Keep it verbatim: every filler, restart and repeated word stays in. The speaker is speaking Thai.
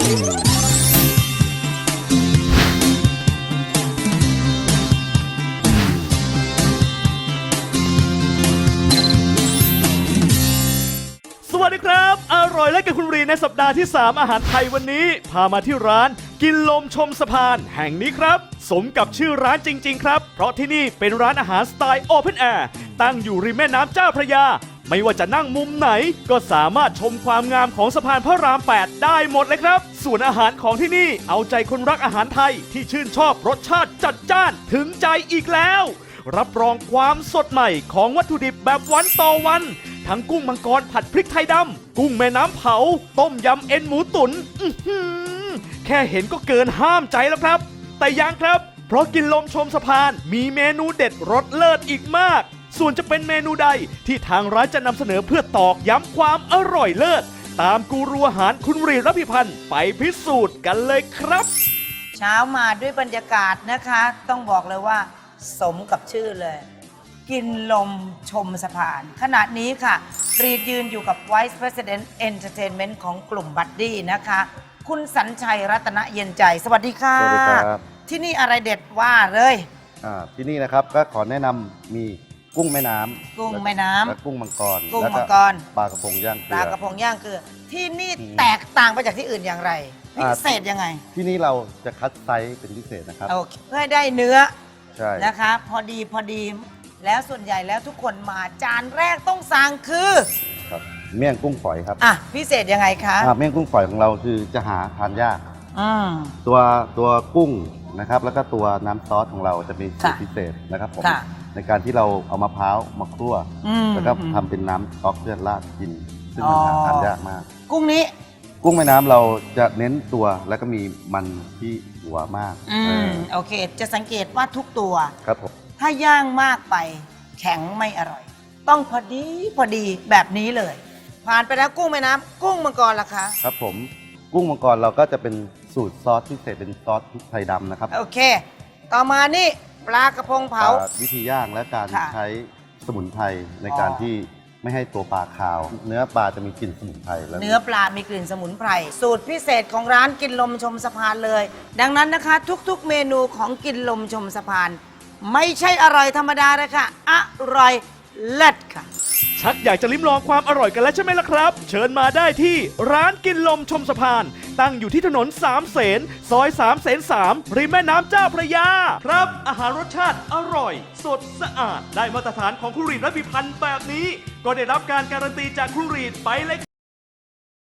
สวัสดีครับอร่อยและกับคุณรีในสัปดาห์ที่สามอาหารไทยวันนี้พามาที่ร้านกินลมชมสะพานแห่งนี้ครับสมกับชื่อร้านจริงๆครับเพราะที่นี่เป็นร้านอาหารสไตล์โอเพนแอร์ตั้งอยู่ริมแม่น้ำเจ้าพระยาไม่ว่าจะนั่งมุมไหนก็สามารถชมความงามของสะพานพระรามแปดได้หมดเลยครับส่วนอาหารของที่นี่เอาใจคนรักอาหารไทยที่ชื่นชอบรสชาติจัดจ้านถึงใจอีกแล้วรับรองความสดใหม่ของวัตถุดิบแบบวันต่อวันทั้งกุ้งมังกรผัดพริกไทยดำกุ้งแม่น้ำเผาต้มยำเอ็นหมูตุ๋นอื้อหือแค่เห็นก็เกินห้ามใจแล้วครับแต่ยังครับเพราะกินลมชมสะพานมีเมนูเด็ดรสเลิศอีกมากส่วนจะเป็นเมนูใดที่ทางร้านจะนำเสนอเพื่อตอกย้ำความอร่อยเลิศตามกูรูอาหารคุณรีรัพิพันธ์ไปพิสูจน์กันเลยครับเช้ามาด้วยบรรยากาศนะคะต้องบอกเลยว่าสมกับชื่อเลยกินลมชมสะพานขณะนี้ค่ะรีดยืนอยู่กับ Vice President Entertainment ของกลุ่มบัดดี้นะคะคุณสัญชัยรัตนเย็นใจสวัสดีค่ะสวัสดีครับที่นี่อะไรเด็ดว่าเลยอ่าที่นี่นะครับก็ขอแนะนำมีกุ้งแม่น้ำกุ้งแม่น้ำและกุ้งมังกรกุ้งมังกรปลากระพงย่างเกลือปลากระพงย่างเกลือที่นี่แตกต่างไปจากที่อื่นอย่างไรพิเศษยังไงที่นี่เราจะคัดไซส์เป็นพิเศษนะครับโอเคเพื่อให้ได้เนื้อใช่นะคะพอดีพอดีแล้วส่วนใหญ่แล้วทุกคนมาจานแรกต้องสั่งคือครับเมี่ยงกุ้งฝอยครับอ่ะพิเศษยังไงคะอ่าเมี่ยงกุ้งฝอยของเราคือจะหาทานยากอืมตัวตัวกุ้งนะครับแล้วก็ตัวน้ำซอสของเราจะมีสูตรพิเศษนะครับผมในการที่เราเอามะพร้าวมาคั่วแล้วก็ทำเป็นน้ำซอสเพื่อราดกินซึ่งมันหาทานยากมากกุ้งนี้กุ้งแม่น้ำเราจะเน้นตัวแล้วก็มีมันที่หัวมากอืมโอเคจะสังเกตว่าทุกตัวครับผมถ้าย่างมากไปแข็งไม่อร่อยต้องพอดีพอดีแบบนี้เลยผ่านไปแล้วกุ้งแม่น้ำกุ้งมังกรล่ะคะครับผมกุ้งมังกรเราก็จะเป็นสูตรซอสพิเศษเป็นซอสพริกไทยดำนะครับโอเคต่อมานี่ปลากระพงเผาวิธีย่างและการใช้สมุนไพรในการที่ไม่ให้ตัวปลาคาว เนื้อปลาจะมีกลิ่นสมุนไพรแล้วเนื้อปลามีกลิ่นสมุนไพรสูตรพิเศษของร้านกินลมชมสะพานเลยดังนั้นนะคะทุกๆเมนูของกินลมชมสะพานไม่ใช่อร่อยธรรมดาเลยค่ะอร่อยเลิศค่ะชักอยากจะลิ้มลองความอร่อยกันแล้วใช่ไหมล่ะครับเชิญมาได้ที่ร้านกินลมชมสะพานตั้งอยู่ที่ถนนสามเสนซอยสามเสนสามริมแม่น้ำเจ้าพระยาครับอาหารรสชาติอร่อยสดสะอาดได้มาตรฐานของครูรีดรัพิพันธ์แบบนี้ก็ได้รับการการันตีจากครูรีดไปเลย